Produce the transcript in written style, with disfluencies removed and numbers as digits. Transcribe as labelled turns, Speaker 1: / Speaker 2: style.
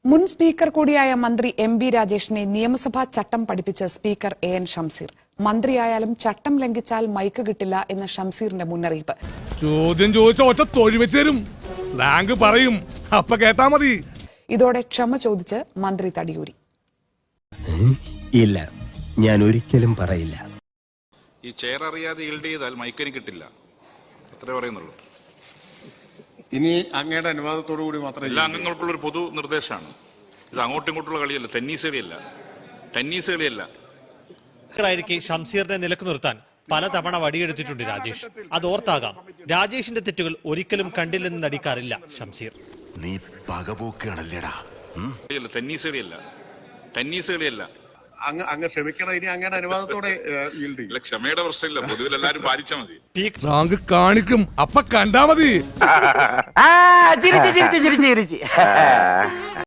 Speaker 1: മുൻ സ്പീക്കർ കൂടിയായ മന്ത്രി എം.ബി. രാജേഷിനെ നിയമസഭാ ചട്ടം പഠിപ്പിച്ച സ്പീക്കർ എ.എൻ. ഷംസീർ. മന്ത്രിയായാലും ചട്ടം ലംഘിച്ചാൽ മൈക്ക് കിട്ടില്ല എന്ന ഷംസീറിന്റെ മുന്നറിയിപ്പ്.
Speaker 2: ചോദ്യം ചോദിച്ച ഒറ്റ തൊഴിൽ വെച്ചേരും, സ്ലാങ് പറയും, അപ്പ കേട്ടാ മതി.
Speaker 1: ഇതോടെ ക്ഷമ ചോദിച്ച് മന്ത്രി തടിയൂരി.
Speaker 3: ഇല്ല, ഞാൻ ഒരിക്കലും പറയില്ല.
Speaker 4: ഈ ചെയർ അറിയാതെ ഈൽഡ് ചെയ്താൽ മൈക്കിന് കിട്ടില്ല, അത്രേ പറയുന്നുള്ളൂ.
Speaker 5: ഇനി അങ്ങയുടെ അനുവാദത്തോടു കൂടി മാത്രമേ
Speaker 4: എല്ലാ അംഗങ്ങൾക്കുള്ള ഒരു പൊതു നിർദ്ദേശമാണ്. ഇത് അങ്ങോട്ടും ഇങ്ങോട്ടുള്ള കളിയല്ല, ടെന്നീസ് കളിയല്ല.
Speaker 6: ഷംസീറിനെ നിലക്ക് നിർത്താൻ പലതവണ വടിയെടുത്തിട്ടുണ്ട് രാജേഷ്. അതോർത്താകാം രാജേഷിന്റെ തെറ്റുകൾ ഒരിക്കലും കണ്ടില്ലെന്ന് നടിക്കാറില്ല ഷംസീർ.
Speaker 7: നീ പകപോക്കാണല്ലേടാ.
Speaker 4: ടെന്നീസ് കളിയല്ല.
Speaker 5: അങ്ങ് ക്ഷമിക്കണം. ഇനി അങ്ങയുടെ അനുവാദത്തോടെ
Speaker 4: ക്ഷമയുടെ പ്രശ്നമില്ല, പൊതുവിൽ എല്ലാവരും പാലിച്ചാൽ മതി.
Speaker 2: സ്ലാങ് കാണിക്കും, അപ്പ കണ്ടാ മതി.